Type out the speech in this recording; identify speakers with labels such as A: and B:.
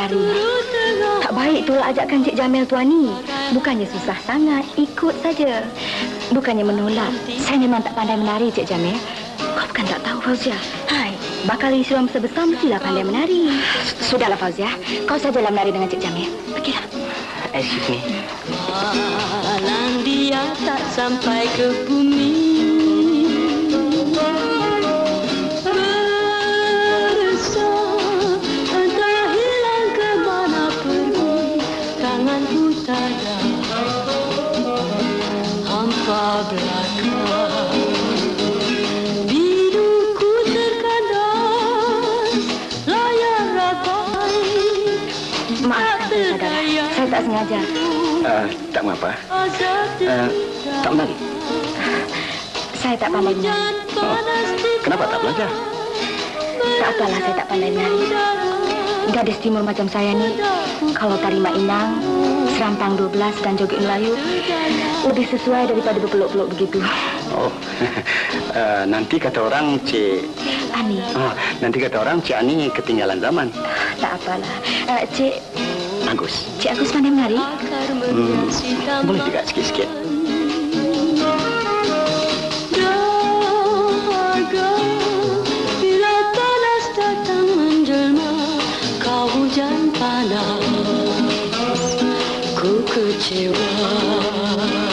A: berlari. Tak baik tu ajakkan Cik Jamil tuan ni. Bukannya susah sangat, ikut saja. Bukannya menolak. Saya memang tak pandai menari, Cik Jamil. Kau bukan tak tahu, Fauzia. Hai, bakal Islam sebesar mestilah pandai menari. Sudahlah, Fauzia. Kau sajalah menari dengan Cik Jamil. Pergilah.
B: Excuse me.
C: Malam dia tak sampai ke bumi.
A: Saya tak sengaja.
B: Tak mengapa. Tak menari?
A: Saya tak pandai menari.
B: Oh, kenapa tak belajar?
A: Tak apalah, saya tak pandai menari. Gadis timur macam saya ni, kalau tari mak inang, serampang 12 dan joget Melayu, lebih sesuai daripada berpeluk-peluk begitu.
B: Oh, nanti kata orang Cik
A: Ani.
B: Nanti kata orang Cik Ani ketinggalan zaman.
A: Tak apalah. Cik
B: Agus.
A: Cik Agus pandai menari?
B: Boleh juga sikit-sikit.
C: Bila panas datang menjelma, kau hujan panas, ku kecewa.